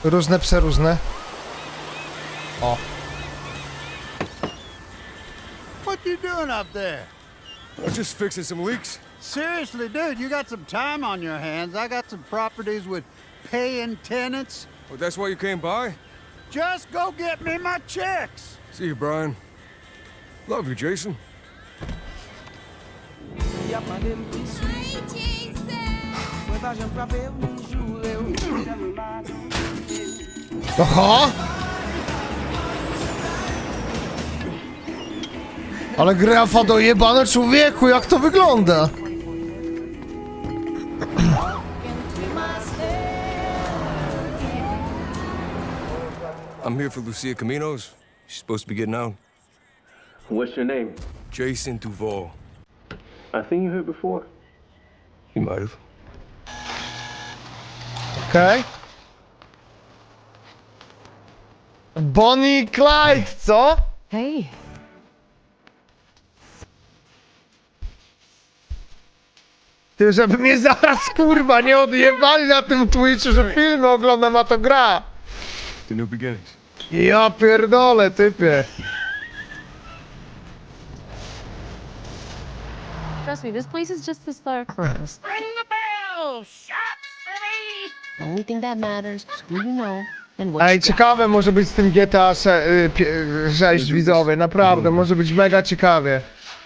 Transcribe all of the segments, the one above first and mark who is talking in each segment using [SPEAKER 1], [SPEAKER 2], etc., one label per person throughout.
[SPEAKER 1] Różne, przeróżne. O.
[SPEAKER 2] What you doing up there?
[SPEAKER 3] I'm just fixing some leaks.
[SPEAKER 2] Seriously, dude, you got some time on your hands. I got some properties with paying tenants.
[SPEAKER 3] Oh, that's why you came by?
[SPEAKER 2] Just go get me my checks.
[SPEAKER 3] See you, Brian. Love you, Jason.
[SPEAKER 1] Oho! Ale grafa dojebane, człowieku, jak to wygląda?
[SPEAKER 3] I'm here for Lucia Caminos. She's supposed to be getting out.
[SPEAKER 4] What's your name?
[SPEAKER 3] Jason Duval.
[SPEAKER 4] I think you heard before.
[SPEAKER 3] You might have.
[SPEAKER 1] Okej. Bonnie i Clyde, co?
[SPEAKER 5] Hey,
[SPEAKER 1] Ty, żeby mnie zaraz, kurwa, nie odjebali na tym Twitchu, że filmy oglądam, a to gra.
[SPEAKER 3] The new beginnings.
[SPEAKER 1] Ja pierdolę, typie.
[SPEAKER 5] trust me, this place is just the start for us.
[SPEAKER 6] Ring the bell! Shot city!
[SPEAKER 5] The only thing that matters is who you know and what
[SPEAKER 1] Ej,
[SPEAKER 5] you got.
[SPEAKER 1] ciekawe może być z tym GTA 6 widzowie, naprawdę, może być mega ciekawie.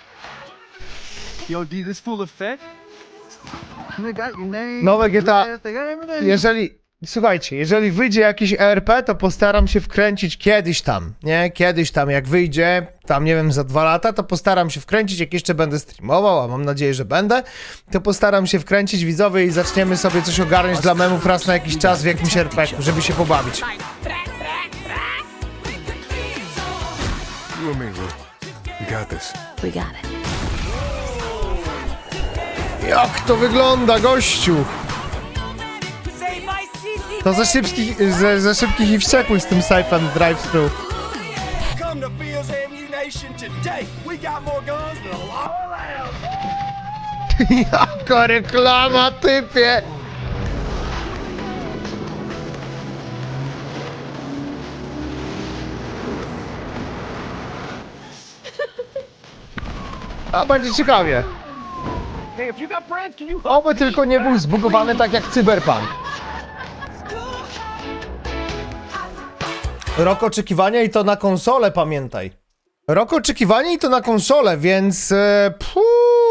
[SPEAKER 2] Yo, D, this full effect? They got your name.
[SPEAKER 1] Nowe GTA,
[SPEAKER 2] They got everything.
[SPEAKER 1] jeżeli, słuchajcie, jeżeli wyjdzie jakiś ERP, to postaram się wkręcić kiedyś tam, nie? Kiedyś tam, jak wyjdzie, tam nie wiem, za 2 lata, to postaram się wkręcić, jak jeszcze będę streamował, a mam nadzieję, że będę, to postaram się wkręcić widzowie i zaczniemy sobie coś ogarnąć dla memów raz na jakiś czas w jakimś RP-ku, żeby się pobawić.
[SPEAKER 3] You and me, Lou. We got this.
[SPEAKER 5] We got it.
[SPEAKER 1] Jak to wygląda, gościu? To za szybkich i wściekłych z tym Siphon Drive-Thru.
[SPEAKER 7] Come to Fields Ammunition today. We got more guns than a lot.
[SPEAKER 1] Jaka reklama, typie! A będzie ciekawie.
[SPEAKER 7] Hey, if you got friends, can you
[SPEAKER 1] Oby tylko nie był zbugowany tak jak Cyberpunk. Rok oczekiwania i to na konsolę, pamiętaj. Rok oczekiwania i to na konsolę, więc...